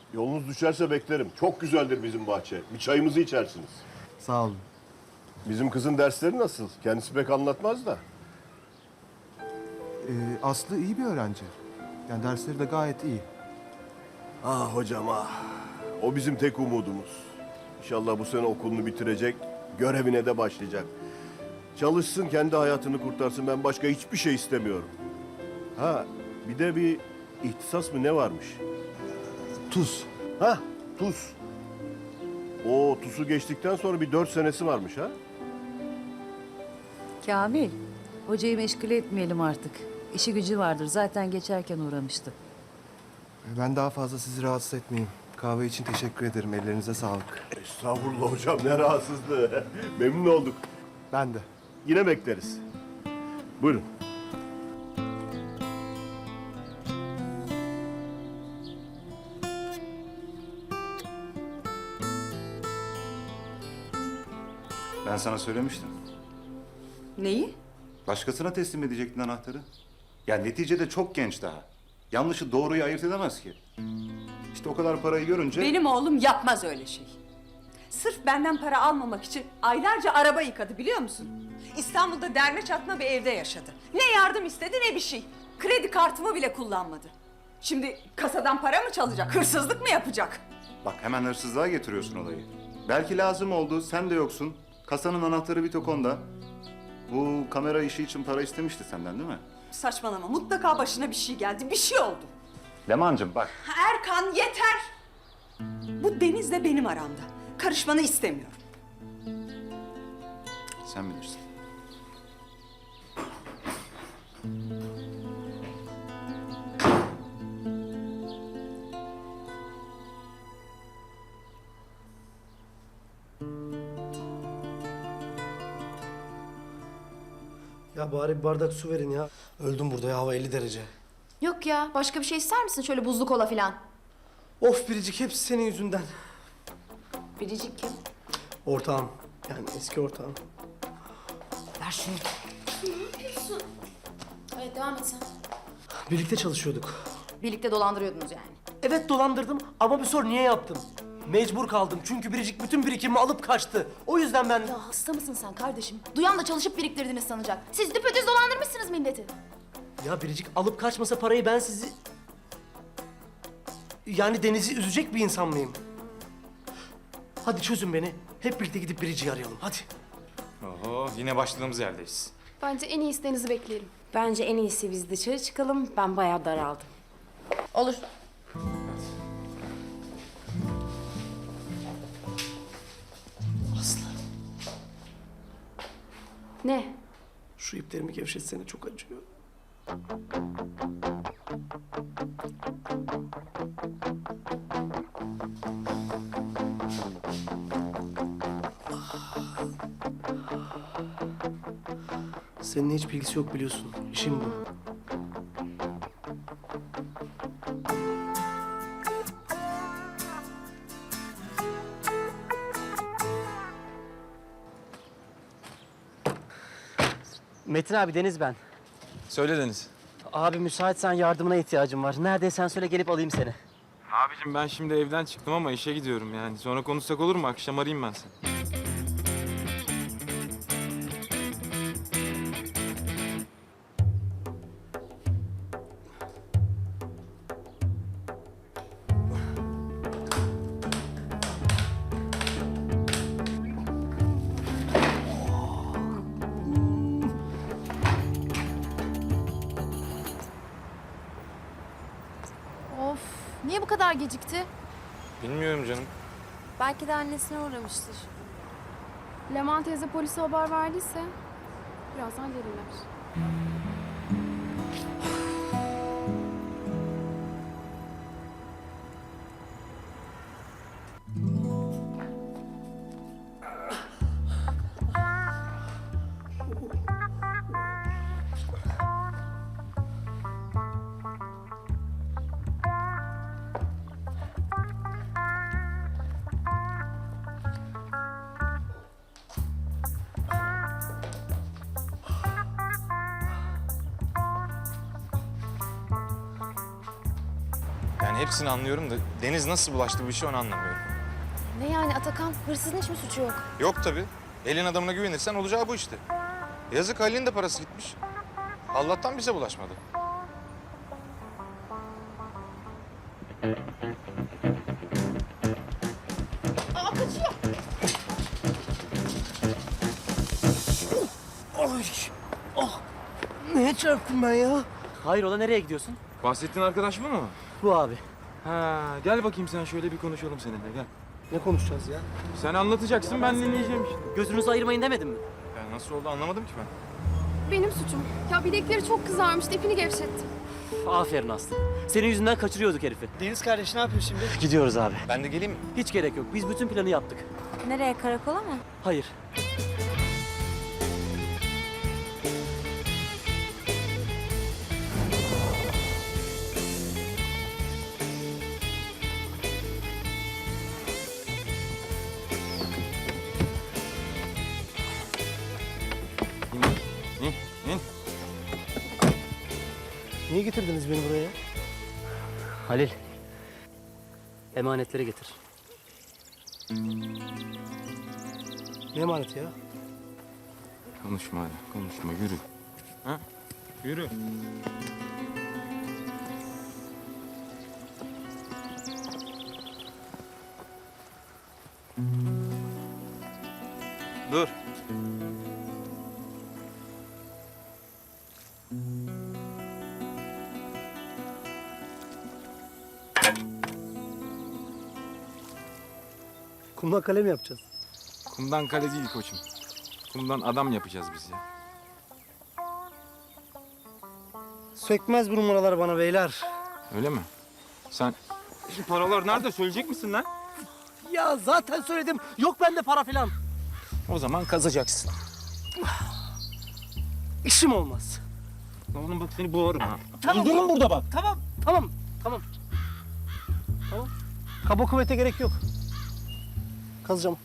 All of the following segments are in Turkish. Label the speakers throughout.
Speaker 1: Yolunuz düşerse beklerim. Çok güzeldir bizim bahçe. Bir çayımızı içersiniz.
Speaker 2: Sağ olun.
Speaker 1: Bizim kızın dersleri nasıl? Kendisi pek anlatmaz da.
Speaker 2: Aslı iyi bir öğrenci. Yani dersleri de gayet iyi.
Speaker 1: Ah hocam ah. O bizim tek umudumuz. İnşallah bu sene okulunu bitirecek, görevine de başlayacak. Çalışsın, kendi hayatını kurtarsın. Ben başka hiçbir şey istemiyorum. Ha, bir de bir ihtisas mı ne varmış?
Speaker 2: Tuz.
Speaker 1: Ha, tuz. O TUS'u geçtikten sonra bir 4 senesi varmış ha?
Speaker 3: Kamil, hocayı meşgul etmeyelim artık. İşi gücü vardır. Zaten geçerken uğramıştı.
Speaker 2: Ben daha fazla sizi rahatsız etmeyeyim. Kahve için teşekkür ederim. Ellerinize sağlık.
Speaker 1: Estağfurullah hocam, ne rahatsızlığı. Memnun olduk.
Speaker 2: Ben de.
Speaker 1: Yine bekleriz. Buyurun.
Speaker 4: Ben sana söylemiştim.
Speaker 5: Neyi?
Speaker 4: Başkasına teslim edecektin anahtarı. Ya neticede çok genç daha. Yanlışı doğruyu ayırt edemez ki. İşte o kadar parayı görünce...
Speaker 5: Benim oğlum yapmaz öyle şey. Sırf benden para almamak için aylarca araba yıkadı biliyor musun? İstanbul'da derme çatma bir evde yaşadı. Ne yardım istedi ne bir şey. Kredi kartımı bile kullanmadı. Şimdi kasadan para mı çalacak, hırsızlık mı yapacak?
Speaker 4: Bak hemen hırsızlığa getiriyorsun olayı. Belki lazım oldu, sen de yoksun. Kasanın anahtarı bir tok onda. Bu kamera işi için para istemişti senden değil mi?
Speaker 5: Saçmalama, mutlaka başına bir şey geldi, bir şey oldu.
Speaker 4: Leman'cığım bak.
Speaker 5: Erkan yeter! Bu Deniz'le benim aramda. Karışmanı istemiyorum.
Speaker 4: Sen bilirsin.
Speaker 6: Ya bari bir bardak su verin ya. Öldüm burada ya, hava 50 derece.
Speaker 7: Yok ya, başka bir şey ister misin? Şöyle buzlu kola falan.
Speaker 6: Of Biricik, hepsi senin yüzünden.
Speaker 7: Biricik kim?
Speaker 6: Ortağım, yani eski ortağım.
Speaker 7: Ver şunu. Ne yapıyorsun? Evet, devam et sen.
Speaker 6: Birlikte çalışıyorduk.
Speaker 7: Birlikte dolandırıyordunuz yani.
Speaker 6: Evet dolandırdım ama bir sor niye yaptım? Mecbur kaldım çünkü Biricik bütün birikimimi alıp kaçtı. O yüzden ben...
Speaker 7: Ya hasta mısın sen kardeşim? Duyan da çalışıp biriktirdiniz sanacak. Siz düpedüz dolandırmışsınız milleti.
Speaker 6: Ya Biricik alıp kaçmasa parayı ben sizi... Yani Deniz'i üzecek bir insan mıyım? Hadi çözün beni. Hep birlikte gidip Biricik'i arayalım, hadi.
Speaker 8: Oho, yine başladığımız yerdeyiz.
Speaker 7: Bence en iyi isteğinizi bekleyelim.
Speaker 9: Bence en iyisi biz dışarı çıkalım. Ben bayağı daraldım.
Speaker 7: Olur.
Speaker 6: Aslı,
Speaker 7: Ne?
Speaker 6: şu iplerimi gevşetsene, çok acıyor. Seninle hiç bilgisi yok biliyorsun. İşim bu.
Speaker 10: Metin abi, Deniz ben.
Speaker 8: Söyle Deniz.
Speaker 10: Abi müsaitsen yardımına ihtiyacım var. Neredeysen söyle, gelip alayım seni.
Speaker 8: Abicim ben şimdi evden çıktım ama işe gidiyorum yani. Sonra konuşsak olur mu? Akşam arayayım ben seni.
Speaker 7: Of, niye bu kadar gecikti?
Speaker 8: Bilmiyorum canım.
Speaker 9: Belki de annesine uğramıştır.
Speaker 7: Leman teyze polise haber verdiyse birazdan gelirler.
Speaker 8: hepsini anlıyorum da Deniz nasıl bulaştı bu işe onu anlamıyorum.
Speaker 9: Ne yani Atakan? Hırsızın hiç mi suçu yok?
Speaker 8: Yok tabii. Elin adamına güvenirsen olacağı bu işte. Yazık Halil'in de parası gitmiş. Allah'tan bize bulaşmadı.
Speaker 6: Ay, oh. Neye çarptım ben ya?
Speaker 10: Hayrola nereye gidiyorsun?
Speaker 8: Bahsettiğin arkadaş bu mu?
Speaker 10: Bu abi.
Speaker 8: Ha, gel bakayım sen şöyle bir konuşalım seninle gel.
Speaker 6: Ne konuşacağız ya?
Speaker 8: Sen anlatacaksın ben dinleyeceğim işte.
Speaker 10: Gözünüzü ayırmayın demedim mi?
Speaker 8: Ya nasıl oldu anlamadım ki ben.
Speaker 7: Benim suçum. Ya bilekleri çok kızarmıştı, ipini gevşettim.
Speaker 10: Aferin Aslı. Senin yüzünden kaçırıyorduk herifi.
Speaker 6: Deniz kardeş ne yapıyor şimdi?
Speaker 10: Gidiyoruz abi.
Speaker 8: Ben de geleyim mi?
Speaker 10: Hiç gerek yok. Biz bütün planı yaptık.
Speaker 9: Nereye, karakola mı?
Speaker 10: Hayır.
Speaker 8: İn, in.
Speaker 6: Niye getirdiniz beni buraya?
Speaker 10: Halil. Emanetleri getir.
Speaker 6: Ne emaneti ya?
Speaker 8: Konuşma hadi, konuşma yürü. Ha? Yürü. Dur.
Speaker 6: Kumla kalem yapacağız.
Speaker 8: Kumdan kale değil koçum. Kumdan adam yapacağız biz ya.
Speaker 6: Sökmez bu numaralar bana beyler.
Speaker 8: Öyle mi? Sen... Şu paralar nerede söyleyecek misin lan?
Speaker 6: Ya zaten söyledim. Yok bende para filan.
Speaker 8: O zaman kazacaksın.
Speaker 6: İşim olmaz.
Speaker 8: Oğlum bak seni boğarım ha.
Speaker 6: Tamam.
Speaker 8: Durun burada bak.
Speaker 6: Tamam. Tamam. Kaba kuvvete gerek yok. Kazacağım.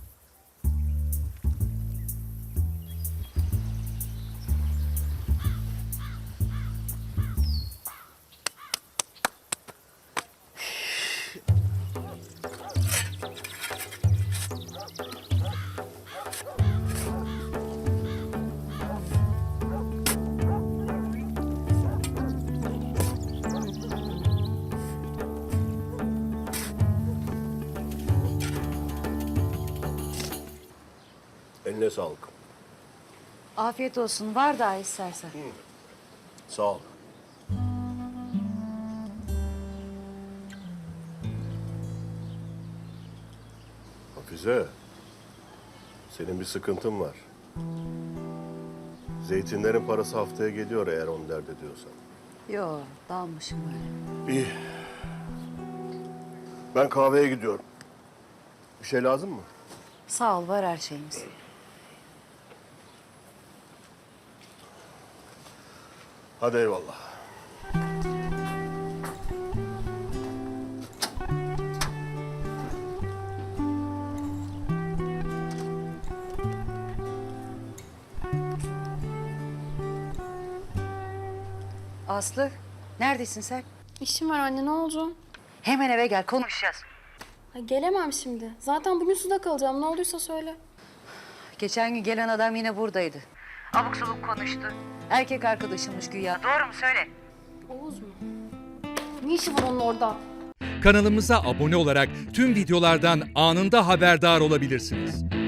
Speaker 1: Eline sağlık.
Speaker 3: Afiyet olsun. Var daha istersen.
Speaker 1: Sağ ol. Hafize, senin bir sıkıntın var. Zeytinlerin parası haftaya geliyor eğer onu dert ediyorsan.
Speaker 3: Yo, dalmışım öyle.
Speaker 1: İyi. Ben kahveye gidiyorum. Bir şey lazım mı?
Speaker 3: Sağ ol, var her şeyimiz.
Speaker 1: Hadi eyvallah.
Speaker 3: Aslı, neredesin sen?
Speaker 7: İşim var anne, ne oldu?
Speaker 3: Hemen eve gel, konuşacağız.
Speaker 7: Ha, gelemem şimdi. Zaten bugün suda kalacağım. Ne olduysa söyle.
Speaker 3: Geçen gün gelen adam yine buradaydı. Abuk sabuk konuştu. Erkek arkadaşımmış güya. Doğru mu? Söyle.
Speaker 7: Oğuz mu? Ne işi var onun orada?
Speaker 11: Kanalımıza abone olarak tüm videolardan anında haberdar olabilirsiniz.